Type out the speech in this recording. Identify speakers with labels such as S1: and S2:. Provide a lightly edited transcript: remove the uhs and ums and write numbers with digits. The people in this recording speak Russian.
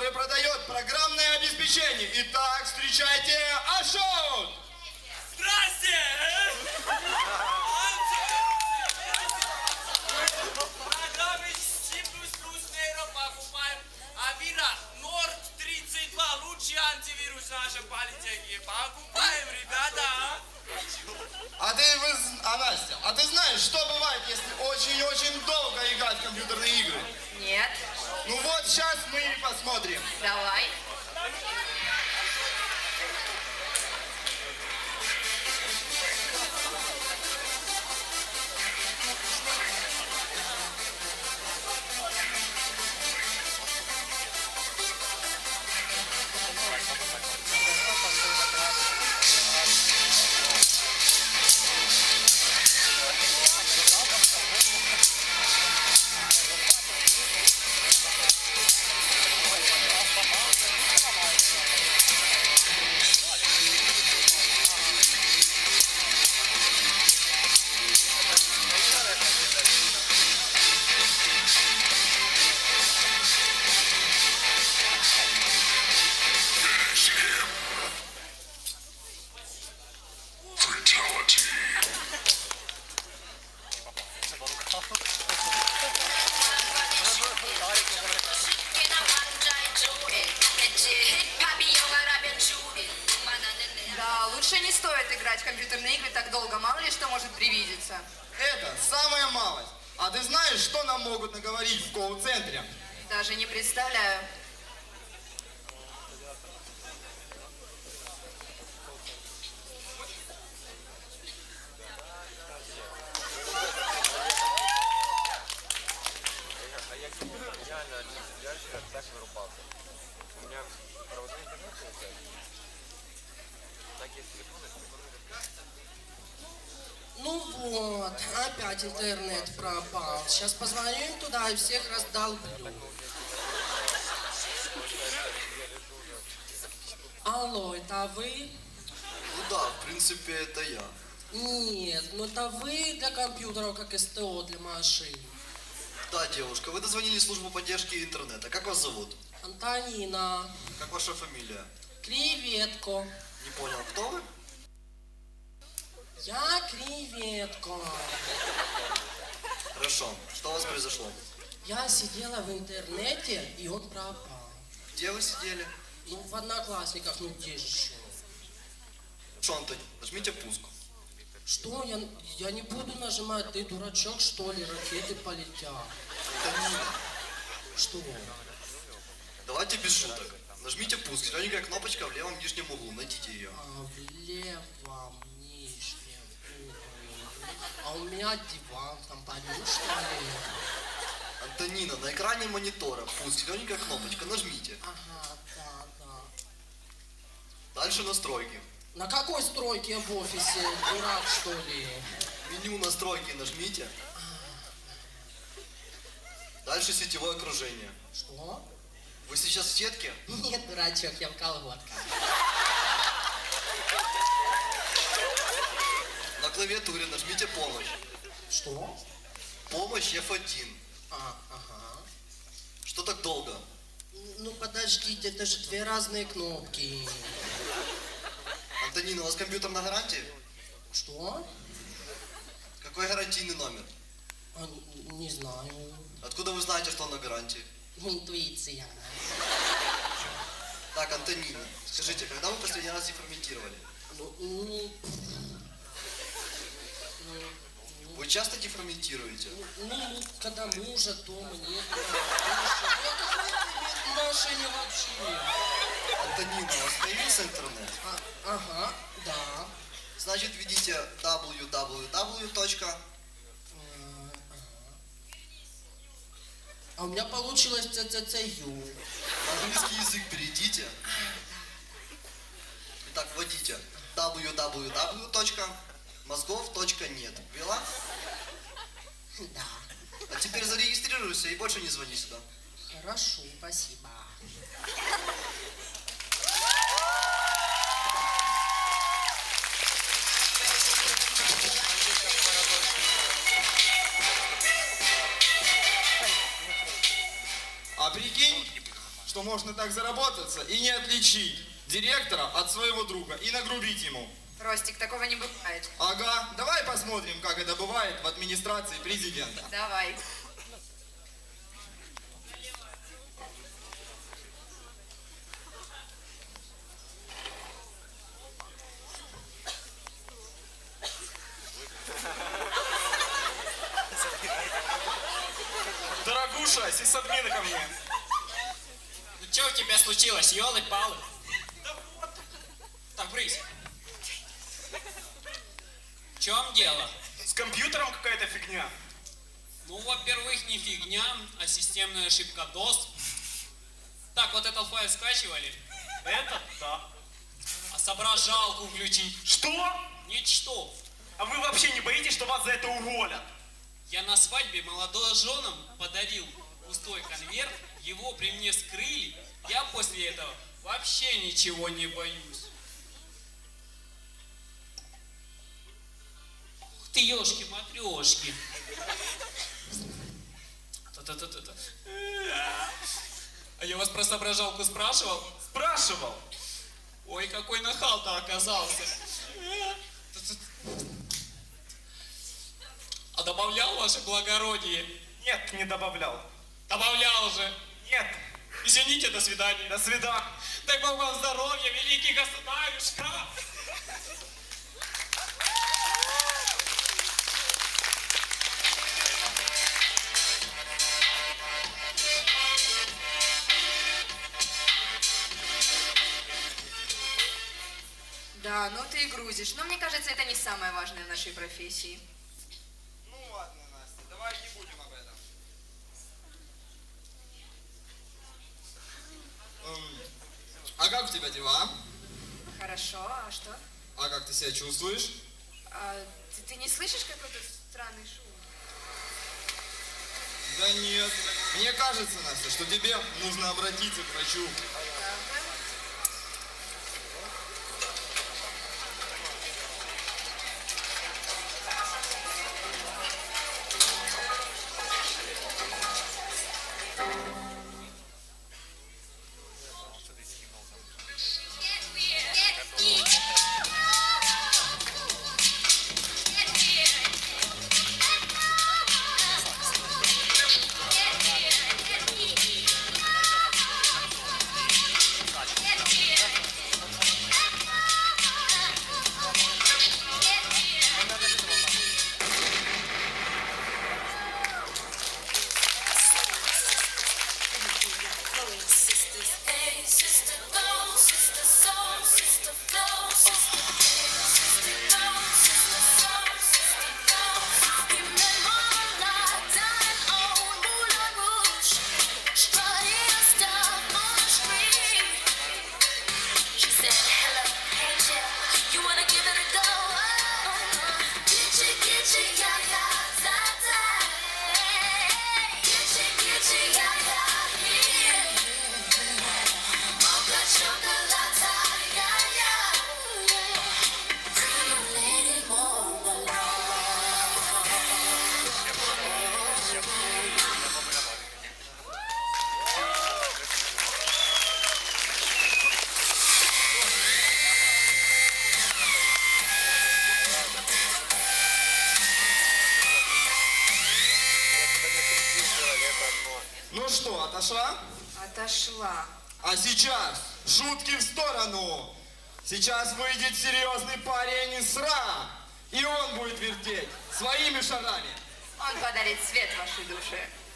S1: который продает программное обеспечение. Итак, встречайте Ашот!
S2: Здрасте! Программы C++ Nero покупаем. Авира Nord 32 лучший антивирус нашей политехники. Покупаем, ребята!
S1: Настя, а ты знаешь, что бывает, если очень-очень долго играть в компьютерные игры?
S3: Нет.
S1: Ну вот, сейчас мы и посмотрим.
S3: Давай. Да, лучше не стоит играть в компьютерные игры так долго, мало ли что может привидеться.
S1: Это самая малость. А ты знаешь, что нам могут наговорить в колл-центре?
S3: Даже не представляю.
S4: Ну вот, опять интернет пропал. Сейчас позвоню им туда и всех раздолблю. Алло, это вы?
S5: Ну да, в принципе, это я.
S4: Нет, ну это вы для компьютеров, как СТО для машин.
S5: Да, девушка, вы дозвонили в службу поддержки интернета. Как вас зовут?
S4: Антонина.
S5: Как ваша фамилия?
S4: Креветко.
S5: Не понял, кто вы?
S4: Я креветка.
S5: Хорошо. Что у вас произошло?
S4: Я сидела в интернете, и он пропал.
S5: Где вы сидели?
S4: Ну, в Одноклассниках, ну где же еще?
S5: Что, Антон, нажмите пуск.
S4: Что? Я не буду нажимать, ты дурачок, что ли? Ракеты полетят.
S5: Антонина,
S4: Что?
S5: давайте без шуток. Нажмите пуск. Зелененькая кнопочка в левом нижнем углу. Найдите ее.
S4: А в левом нижнем углу. А у меня диван там парю, что ли?
S5: Антонина, на экране монитора пуск. Зелененькая кнопочка. Нажмите.
S4: Ага, да.
S5: Дальше настройки.
S4: На какой стройке я в офисе? Дурак, что ли?
S5: Меню настройки нажмите. Дальше сетевое окружение.
S4: Что?
S5: Вы сейчас в сетке?
S4: Нет, дурачок, я в колготках.
S5: На клавиатуре нажмите помощь.
S4: Что?
S5: Помощь F1.
S4: Ага.
S5: Что так долго?
S4: Ну подождите, это же две разные кнопки.
S5: Антонина, у вас компьютер на гарантии?
S4: Что?
S5: Какой гарантийный номер?
S4: Не знаю.
S5: Откуда вы знаете, что он на гарантии?
S4: Интуиция.
S5: Так, Антонина, скажите, когда вы последний раз дефрагментировали? Вы часто дефрагментируете?
S4: Ну, когда мужа дома нет. В машине вообще.
S5: Антонина, у вас появился интернет?
S4: Ага, да.
S5: Значит, введите www.
S4: А у меня получилось ЦЦЦЮ.
S5: На английский язык перейдите. Итак, вводите www.мозгов.нет. Ввела?
S4: Да.
S5: А теперь зарегистрируйся и больше не звони сюда.
S4: Хорошо, спасибо.
S1: А прикинь, что можно так заработаться и не отличить директора от своего друга и нагрубить ему.
S3: Ростик, такого не бывает.
S1: Ага, давай посмотрим, как это бывает в администрации президента.
S3: Давай.
S1: Дорогуша, сисадмина ко мне.
S2: Ну что у тебя случилось, ёлы-палы? Да вот. Так, брысь. В чем дело?
S1: С компьютером какая-то фигня.
S2: Ну, во-первых, не фигня, а системная ошибка DOS. Так, вот этот файл скачивали.
S6: Это да.
S2: А соображалку включить.
S6: Что?
S2: Ничто.
S6: А вы вообще не боитесь, что вас за это уволят?
S2: Я на свадьбе молодоженам подарил пустой конверт, его при мне скрыли. Я после этого вообще ничего не боюсь. Ух ты, ёшки-матрёшки. Та-та-та-та-та. А я вас про соображалку спрашивал?
S6: Спрашивал.
S2: Ой, какой нахал-то оказался. А добавлял ваше благородие?
S6: Нет, не добавлял.
S2: Добавлял же.
S6: Нет.
S2: Извините, до свидания.
S6: До свидания.
S2: Дай Бог вам здоровья, великий государюшка.
S3: Да, ну ты и грузишь. Но мне кажется, это не самое важное в нашей профессии.
S1: Ну ладно, Настя, давай не будем об этом. А как у тебя дела?
S3: Хорошо, а что?
S1: А как ты себя чувствуешь?
S3: А, ты не слышишь какой-то странный шум?
S1: Да нет. Мне кажется, Настя, что тебе нужно обратиться к врачу.
S3: Правда?
S1: Ну что, отошла?
S3: Отошла.
S1: А сейчас шутки в сторону. Сейчас выйдет серьезный парень из СРА. И он будет вертеть своими шагами.
S3: Он подарит свет вашей душе.